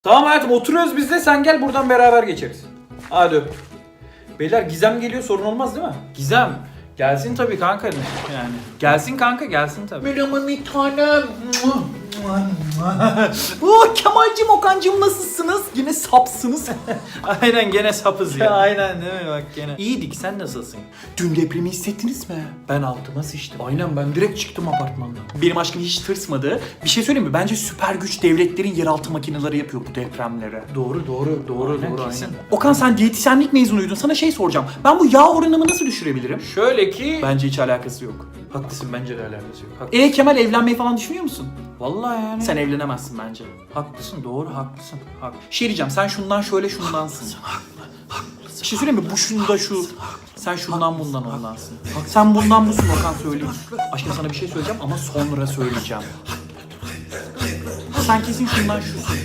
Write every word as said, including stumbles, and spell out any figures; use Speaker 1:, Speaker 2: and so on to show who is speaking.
Speaker 1: Tamam hayatım oturuyoruz biz de sen gel buradan beraber geçeriz. Hadi öp. Beyler Gizem geliyor sorun olmaz değil mi? Gizem. Gelsin tabii kanka yani. Gelsin kanka gelsin tabii.
Speaker 2: Merhaba bir tanem. Oh, Kemal'cim, Okan'cım nasılsınız? Yine sapsınız.
Speaker 1: Aynen gene sapız ya.
Speaker 2: Aynen değil mi bak gene.
Speaker 1: İyiydik sen nasılsın?
Speaker 2: Dün depremi hissettiniz mi?
Speaker 1: Ben altıma sıçtım. Aynen ben direkt çıktım apartmandan.
Speaker 2: Benim aşkım hiç tırsmadı. Bir şey söyleyeyim mi? Bence süper güç devletlerin yeraltı makineleri yapıyor bu depremlere.
Speaker 1: Doğru doğru doğru
Speaker 2: Aynen,
Speaker 1: doğru
Speaker 2: kesin.
Speaker 1: aynen.
Speaker 2: Okan sen diyetisyenlik mezunuydun. Sana şey soracağım. Ben bu yağ oranımı nasıl düşürebilirim?
Speaker 1: Şöyle ki...
Speaker 2: Bence hiç alakası yok.
Speaker 1: Haklısın bence de alakası yok. Haklısın.
Speaker 2: E Kemal evlenmeyi falan düşünüyor musun?
Speaker 1: Vallahi yani.
Speaker 2: Sen evlenemezsin bence.
Speaker 1: haklısın doğru haklısın. Hak.
Speaker 2: Şey diyeceğim, sen şundan şöyle şundansın. Bir şey söyleyeyim mi? Bu şunda şu. Sen şundan bundan ondansın. Sen bundan busun Okan, söyleyeyim. Aşkım sana bir şey söyleyeceğim ama sonra söyleyeceğim. Sen kesin şundan şusun.